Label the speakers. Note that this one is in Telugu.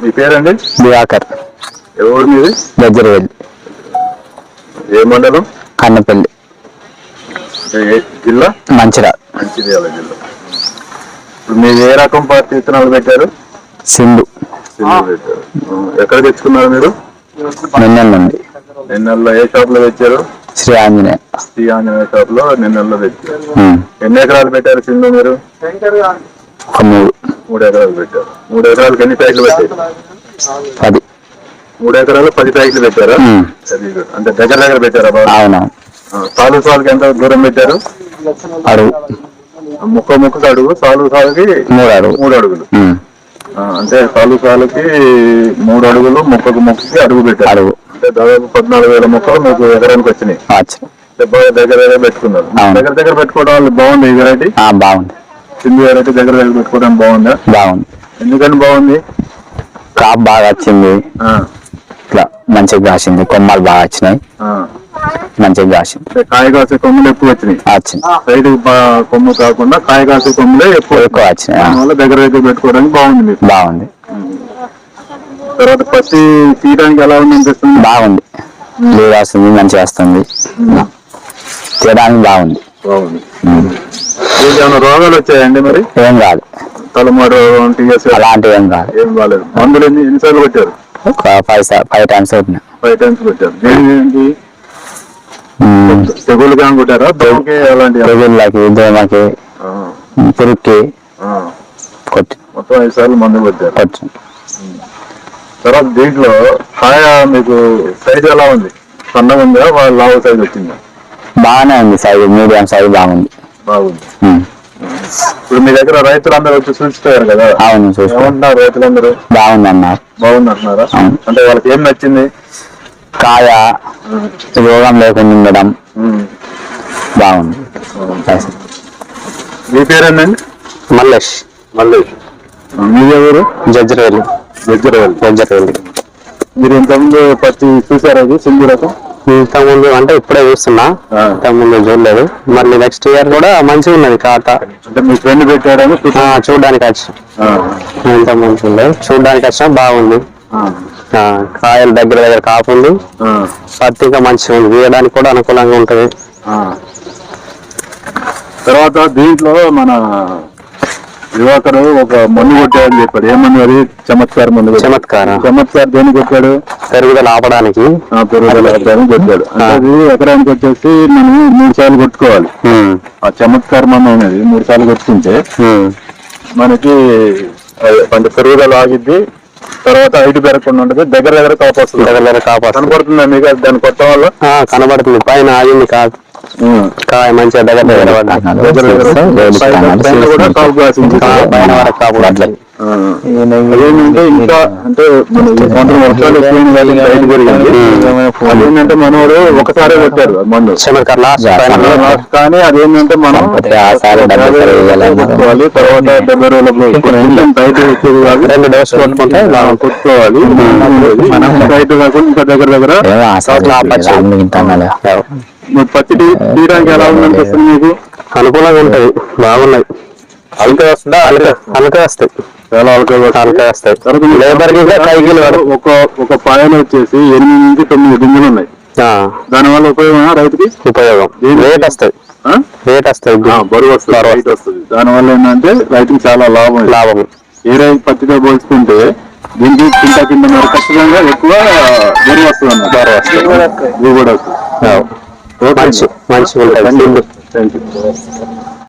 Speaker 1: మీ పేరండి?
Speaker 2: దివాకర్.
Speaker 1: ఎవరు మీది?
Speaker 2: గజ్జరవెల్లి.
Speaker 1: ఏ మండలం?
Speaker 2: కన్నపల్లి.
Speaker 1: జిల్లా?
Speaker 2: మంచిర్యాల.
Speaker 1: మంచిర్యాల జిల్లా. ఇప్పుడు మీరు ఏ రకం పార్టీ విత్తనాలు పెట్టారు?
Speaker 2: సింధు.
Speaker 1: పెట్టారు. ఎక్కడ తెచ్చుకున్నారు మీరు?
Speaker 2: నిన్నెల నుండి.
Speaker 1: నిన్నెల్లో ఏ షాప్ లో తెచ్చారు?
Speaker 2: శ్రీ ఆంజనేయ.
Speaker 1: శ్రీ ఆంజనేయ షాప్ లో నిన్నెల్లో తెచ్చారు. ఎన్ని ఎకరాలు పెట్టారు సింధు మీరు? 3 ఎకరాలు పెట్టారు. 3 ఎకరాలకు ఎన్ని ప్యాకెట్లు పెట్టారు?
Speaker 2: 10.
Speaker 1: 3 ఎకరాలు 10 ప్యాకెట్లు పెట్టారా? అంటే దగ్గర పెట్టారా?
Speaker 2: అవునా.
Speaker 1: సాలుకి ఎంత దూరం పెట్టారు?
Speaker 2: అడుగు.
Speaker 1: ముక్కకు అడుగు, సాలుకి 3 అడుగులు. అంటే సాలుకి 3 అడుగులు, మొక్కకి అడుగు పెట్టారు. అంటే దాదాపు 14,000 మొక్కలు మీకు ఎకరానికి వచ్చినాయి. దగ్గర పెట్టుకున్నారు. దగ్గర పెట్టుకోవడం వల్ల బాగుంది ఈ వెరైటీ.
Speaker 2: బాగుంది.
Speaker 1: సింధు వెరైటీ దగ్గర పెట్టుకోవడం బాగుందా?
Speaker 2: బాగుంది.
Speaker 1: ఎందుకని బాగుంది?
Speaker 2: క్రాప్ బాగా వచ్చింది. ఇట్లా మంచిగా కాసింది. కొమ్మలు బాగా వచ్చినాయి. మంచిగా కాసింది.
Speaker 1: కాయ కాసే కొమ్మలు ఎక్కువ వచ్చినాయి. సైడ్ కొమ్ము కాకుండా కాయ కాసే కొమ్మలే ఎక్కువ వచ్చినాయి. దానివల్ల దగ్గర పెట్టుకోవడానికి బాగుంది మీకు.
Speaker 2: బాగుంది.
Speaker 1: తర్వాత పత్తి తీయడానికి ఎలా ఉంది అనిపిస్తుంది?
Speaker 2: బాగుంది. నీరు వస్తుంది, మంచిగా వస్తుంది. తీయడానికి బాగుంది.
Speaker 1: ఏమైనా రోగాలు వచ్చాయండి మరి?
Speaker 2: ఏం కాదు.
Speaker 1: తలమాడు
Speaker 2: అలాంటివి ఏం కాదు.
Speaker 1: ఏం కాలేదు. మందులు ఎన్నిసార్లు కొట్టారు?
Speaker 2: 5 టైమ్స్ కొట్టినా.
Speaker 1: 5 టైమ్స్ కొట్టారు. దేనికి? తెగులు కానీ కొట్టారా? దోమకి అలాంటి
Speaker 2: తెగుళ్ళకి, దోమకి, పురుగుకి కొట్టి
Speaker 1: మొత్తం 5 సార్లు మందు కొట్టారు. తర్వాత దీంట్లో కాయ మీకు సైజ్ ఎలా ఉంది? సన్నగా ఉందా, లావు సైజ్ వచ్చిందా?
Speaker 2: బాగానే ఉంది. సైజు మీడియం సైజు బాగుంది.
Speaker 1: ఇప్పుడు మీ దగ్గర రైతులందరూ వచ్చి చూసిపోయారు కదా?
Speaker 2: అవును.
Speaker 1: చూసుకుంటున్నారు రైతులందరూ.
Speaker 2: బాగుంది అన్నారు.
Speaker 1: బాగుంది అంటున్నారా? అంటే వాళ్ళకి ఏం నచ్చింది? కాయ
Speaker 2: రోగం లేకుండా ఉండడం బాగుంది.
Speaker 1: మీ పేరేందండి?
Speaker 2: మల్లేష్.
Speaker 1: మీది ఎవరు?
Speaker 2: గజ్జరవెల్లి.
Speaker 1: మీరు ఇంతకుముందు పత్తి చూసారా? సింధు రకం
Speaker 2: ఇంతకుముందు అంటే ఇప్పుడే చూస్తున్నా. ఇంతకుముందు చూడలేదు. మళ్ళీ నెక్స్ట్ ఇయర్ కూడా మంచిగా ఉన్నది ఖాతా.
Speaker 1: అంటే మీ ఫ్రెండ్ పెట్టారని
Speaker 2: చూడడానికి వచ్చి ఇంతకుముందు చూడలేదు. చూడడానికి వచ్చినా బాగుంది. కాయలు దగ్గర కాపుంది. పత్తి ఇంకా మంచిగా ఉంది. వేయడానికి కూడా అనుకూలంగా ఉంటుంది.
Speaker 1: తర్వాత దీంట్లో మన దివాకర్ ఒక మందు కొట్టాడని చెప్పాడు. ఏమన్నా అది? చమత్కార మందు. చమత్కార దేనికి కొట్టాడు?
Speaker 2: పెరుగుదల ఆపడానికి.
Speaker 1: పెరుగుదల ఆపడానికి కొట్టాడు. అది ఎకరానికి వచ్చేసి మనం 3 సార్లు కొట్టుకోవాలి. ఆ చమత్కార మందు అనేది 3 సార్లు కొట్టుకుంటే మనకి కొంచెం పెరుగుదల ఆగిద్ది. తర్వాత హైట్ పెరగకుండా ఉంటుంది. దగ్గర కాపు వస్తుంది. కనపడుతుందా మీకు దాన్ని కొట్టడం వల్ల?
Speaker 2: కనబడుతుంది. పైన ఆగింది కాదు. కాయ మంచిగా దగ్గర
Speaker 1: కూడా కాపు కాసింది.
Speaker 2: పైన వరకు కాపు అట్లా.
Speaker 1: అదేంటంటే ఇంకా అంటే మన వర్షాలు రైతు పెరిగింది. అదేంటంటే మనోడు ఒకసారి కొట్టారు మందు. కానీ అదేంటంటే మనం కొట్టుకోవాలి. తర్వాత 70 రోజులకు రైతు వచ్చేది కాదు. 2 డోసులు కొట్టుకుంటే కొట్టుకోవాలి. మనం రైతు కాకుండా ఇంకా దగ్గర పత్తి తీయడానికి ఎలా ఉందనిపిస్తుంది మీకు?
Speaker 2: అనుకూలంగా ఉంటుంది. బాగున్నాయి.
Speaker 1: అలక వస్తుందా?
Speaker 2: అలక వస్తాయి.
Speaker 1: చాలా అలక వస్తాయి.
Speaker 2: లేబర్
Speaker 1: ఒక పాయలు వచ్చేసి 8 నుంచి 9 గింజలు ఉన్నాయి. దానివల్ల ఉపయోగం రైతుకి?
Speaker 2: ఉపయోగం. రేట్ వస్తాయి.
Speaker 1: బరువు వస్తుంది. దానివల్ల ఏంటంటే రైతుకి చాలా లాభం. ఏ రైతు పత్తితో పోల్చుకుంటే దీనికి కింద మరి ఖచ్చితంగా ఎక్కువ బరువు వస్తుంది అన్నమాట. ఇది కూడా వస్తుంది.
Speaker 2: మంచి ఉంటుంది.
Speaker 1: Thank you.